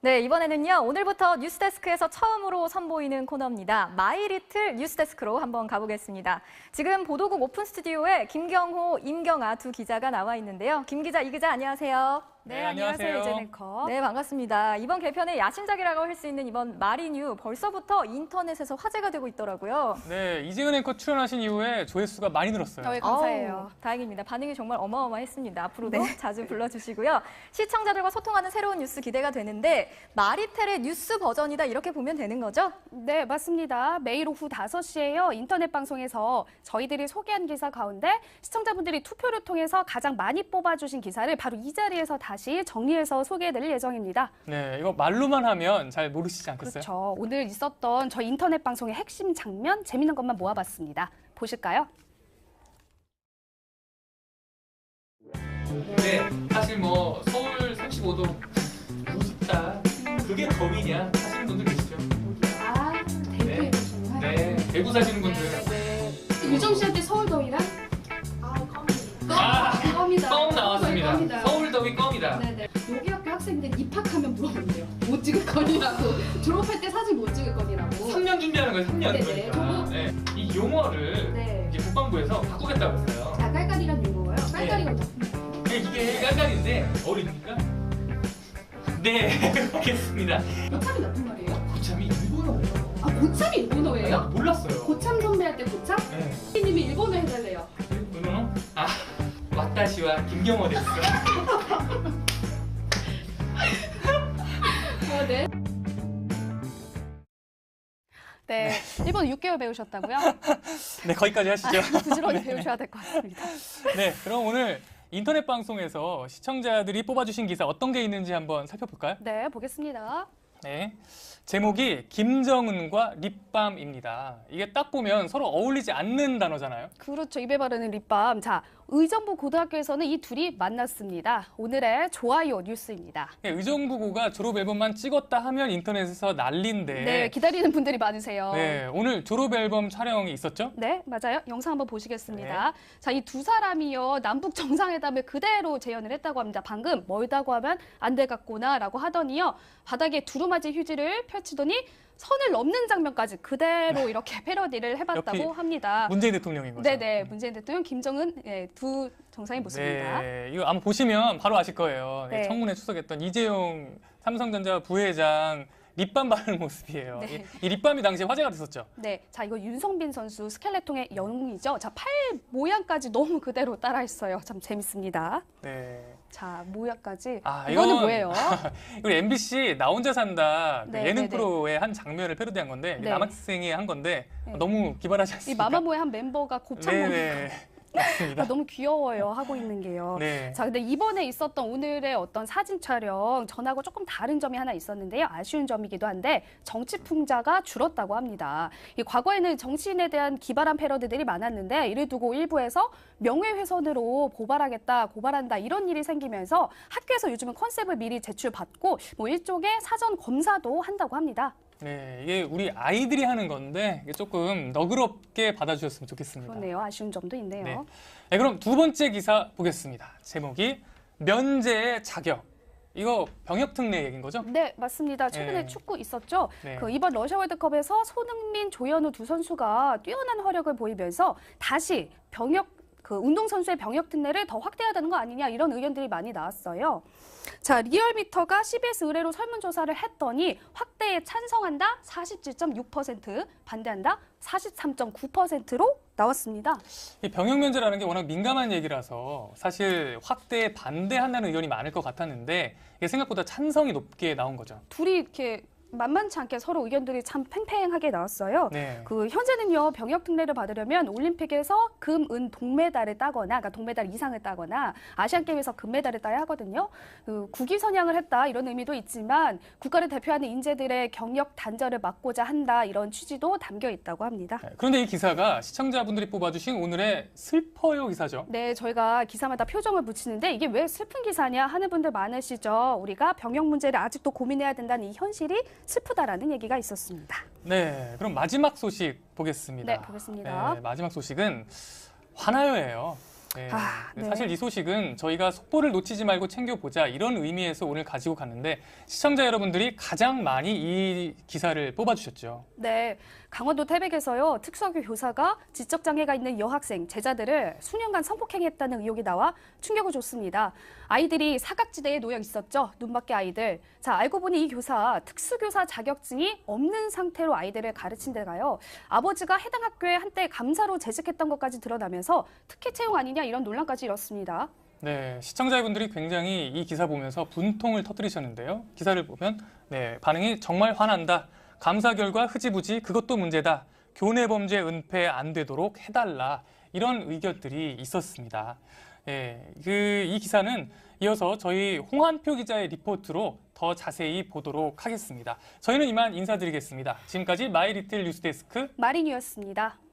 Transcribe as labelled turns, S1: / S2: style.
S1: 네, 이번에는요. 오늘부터 뉴스데스크에서 처음으로 선보이는 코너입니다. 마이리틀 뉴스데스크로 한번 가보겠습니다. 지금 보도국 오픈 스튜디오에 김경호, 임경아 두 기자가 나와 있는데요. 김 기자, 이 기자 안녕하세요.
S2: 네, 안녕하세요. 이제네커.
S1: 네, 반갑습니다. 이번 개편의 야심작이라고 할 수 있는 이번 마리뉴 벌써부터 인터넷에서 화제가 되고 있더라고요.
S3: 네, 이재은 앵커 출연하신 이후에 조회수가 많이 늘었어요.
S2: 네, 감사해요.
S1: 다행입니다. 반응이 정말 어마어마했습니다. 앞으로도 자주 불러주시고요. 시청자들과 소통하는 새로운 뉴스 기대가 되는데 마리텔의 뉴스 버전이다 이렇게 보면 되는 거죠?
S2: 네, 맞습니다. 매일 오후 5시에요. 인터넷 방송에서 저희들이 소개한 기사 가운데 시청자분들이 투표를 통해서 가장 많이 뽑아주신 기사를 바로 이 자리에서 다시 정리해서 소개해드릴 예정입니다.
S3: 네, 이거 말로만 하면 잘 모르시지 않겠어요?
S2: 그렇죠. 오늘 있었던 저희 인터넷 방송의 핵심 장면, 재밌는 것만 모아봤습니다. 보실까요?
S4: 네, 사실 뭐 서울 35도 무섭다. 그게 더위냐 하시는 분들 계시죠?
S5: 아, 대구에 계시구나.
S4: 네, 대구 사시는 분들.
S5: 유정 씨한테 서울 더위랑? 껌이다.
S4: 껌 나왔습니다.
S5: 껌이다.
S4: 서울 더위 껌이다.
S5: 네네. 여기 학교 학생들 입학하면 물어본대요. 못 찍을 거니라고. 졸업할 때 사진 못 찍을 거니라고.
S4: 3년 준비하는 거예요, 3년.
S5: 네네.
S4: 그러니까. 네, 이 용어를
S5: 네.
S4: 이제 국방부에서 바꾸겠다고 했어요.
S5: 아, 깔깔이란 용어예요? 깔깔이가 무슨
S4: 이게 깔깔인데 어리니까? 네, 알겠습니다.
S5: 고참이 나쁜 말이에요?
S4: 고참이 일본어예요.
S5: 아, 고참이 일본어예요?
S4: 몰랐어요.
S5: 고참 선배 할 때 고참?
S4: 네.
S5: 님이 일본어 해달래요.
S4: 일본어? 아, 왓다시와 김경호 됐어.
S5: 네.
S2: 네, 일본 6개월 배우셨다고요?
S3: 네, 거기까지 하시죠.
S2: 부지런히 배우셔야 될 것 같습니다.
S3: 네, 그럼 오늘 인터넷 방송에서 시청자들이 뽑아주신 기사 어떤 게 있는지 한번 살펴볼까요?
S2: 네, 보겠습니다.
S3: 네, 제목이 김정은과 립밤입니다. 이게 딱 보면 서로 어울리지 않는 단어잖아요.
S2: 그렇죠. 입에 바르는 립밤. 자, 의정부 고등학교에서는 이 둘이 만났습니다. 오늘의 좋아요 뉴스입니다.
S3: 네, 의정부고가 졸업 앨범만 찍었다 하면 인터넷에서 난리인데.
S2: 네, 기다리는 분들이 많으세요.
S3: 네, 오늘 졸업 앨범 촬영이 있었죠?
S2: 네, 맞아요. 영상 한번 보시겠습니다. 자, 이 두 사람이요. 남북 정상회담을 그대로 재현을 했다고 합니다. 방금 멀다고 하면 안 돼 같구나라고 하더니요. 바닥에 두루마지 휴지를 펼치더니 선을 넘는 장면까지 그대로 이렇게 패러디를 해봤다고 합니다.
S3: 문재인 대통령인 거죠.
S2: 네네, 문재인 대통령, 김정은 두 정상의 모습입니다.
S3: 네, 이거 아마 보시면 바로 아실 거예요.
S2: 네.
S3: 청문회出席했던 이재용 삼성전자 부회장 립밤 바르는 모습이에요.
S2: 네.
S3: 이 립밤이 당시에 화제가 됐었죠.
S2: 네, 자 이거 윤성빈 선수 스켈레톤의 영웅이죠. 자, 팔 모양까지 너무 그대로 따라했어요. 참 재밌습니다.
S3: 네.
S2: 자, 모양까지.
S3: 아,
S2: 이거는 뭐예요?
S3: 우리 MBC 나 혼자 산다 그
S2: 네,
S3: 예능
S2: 네, 네.
S3: 프로의 한 장면을 패러디한 건데
S2: 네.
S3: 남학생이 한 건데
S2: 네.
S3: 너무 기발하지
S2: 이
S3: 않습니까?
S2: 마마무의 한 멤버가 곱창 먹는
S3: 네네. 맞습니다.
S2: 너무 귀여워요, 하고 있는 게요.
S3: 네.
S2: 자, 근데 이번에 있었던 오늘의 어떤 사진 촬영 전하고 조금 다른 점이 하나 있었는데요. 아쉬운 점이기도 한데 정치 풍자가 줄었다고 합니다. 이 과거에는 정치인에 대한 기발한 패러디들이 많았는데 이를 두고 일부에서 명예훼손으로 고발한다 이런 일이 생기면서 학교에서 요즘은 컨셉을 미리 제출받고 뭐 일종의 사전 검사도 한다고 합니다.
S3: 네, 이게 우리 아이들이 하는 건데 이게 조금 너그럽게 받아주셨으면 좋겠습니다.
S2: 그렇네요. 아쉬운 점도 있네요.
S3: 네. 네, 그럼 두 번째 기사 보겠습니다. 제목이 면제의 자격. 이거 병역 특례 얘기인 거죠?
S2: 네, 맞습니다. 최근에
S3: 네.
S2: 축구 있었죠.
S3: 네.
S2: 이번 러시아 월드컵에서 손흥민, 조현우 두 선수가 뛰어난 활약을 보이면서 다시 운동선수의 병역 특례를 더 확대해야 되는 거 아니냐 이런 의견들이 많이 나왔어요. 자, 리얼미터가 CBS 의뢰로 설문조사를 했더니 확대에 찬성한다 47.6%, 반대한다 43.9%로 나왔습니다.
S3: 이 병역 면제라는 게 워낙 민감한 얘기라서 사실 확대에 반대한다는 의견이 많을 것 같았는데 이게 생각보다 찬성이 높게 나온 거죠.
S2: 둘이 이렇게 만만치 않게 서로 의견들이 참 팽팽하게 나왔어요.
S3: 네.
S2: 현재는요, 병역 특례를 받으려면 올림픽에서 금, 은, 동메달을 따거나, 그러니까 동메달 이상을 따거나, 아시안게임에서 금메달을 따야 하거든요. 국위 선양을 했다 이런 의미도 있지만 국가를 대표하는 인재들의 경력 단절을 막고자 한다 이런 취지도 담겨 있다고 합니다.
S3: 네, 그런데 이 기사가 시청자분들이 뽑아주신 오늘의 슬퍼요 기사죠.
S2: 네, 저희가 기사마다 표정을 붙이는데 이게 왜 슬픈 기사냐 하는 분들 많으시죠. 우리가 병역 문제를 아직도 고민해야 된다는 이 현실이 슬프다라는 얘기가 있었습니다.
S3: 네, 그럼 마지막 소식 보겠습니다.
S2: 네, 보겠습니다.
S3: 네, 마지막 소식은 화나요예요. 네.
S2: 네.
S3: 사실 이 소식은 저희가 속보를 놓치지 말고 챙겨보자 이런 의미에서 오늘 가지고 갔는데 시청자 여러분들이 가장 많이 이 기사를 뽑아주셨죠.
S2: 네, 강원도 태백에서요 특수학교 교사가 지적 장애가 있는 여학생 제자들을 수년간 성폭행했다는 의혹이 나와 충격을 줬습니다. 아이들이 사각지대에 놓여 있었죠. 눈밖에 아이들. 자, 알고 보니 이 교사 특수교사 자격증이 없는 상태로 아이들을 가르친 데가요. 아버지가 해당 학교에 한때 감사로 재직했던 것까지 드러나면서 특혜 채용 아니냐 이런 논란까지 일었습니다.
S3: 네, 시청자분들이 굉장히 이 기사 보면서 분통을 터뜨리셨는데요. 기사를 보면 반응이 정말 화난다. 감사 결과 흐지부지 그것도 문제다. 교내 범죄 은폐 안 되도록 해달라. 이런 의견들이 있었습니다. 이 기사는 이어서 저희 홍한표 기자의 리포트로 더 자세히 보도록 하겠습니다. 저희는 이만 인사드리겠습니다. 지금까지 마이리틀 뉴스데스크
S2: 마린이었습니다.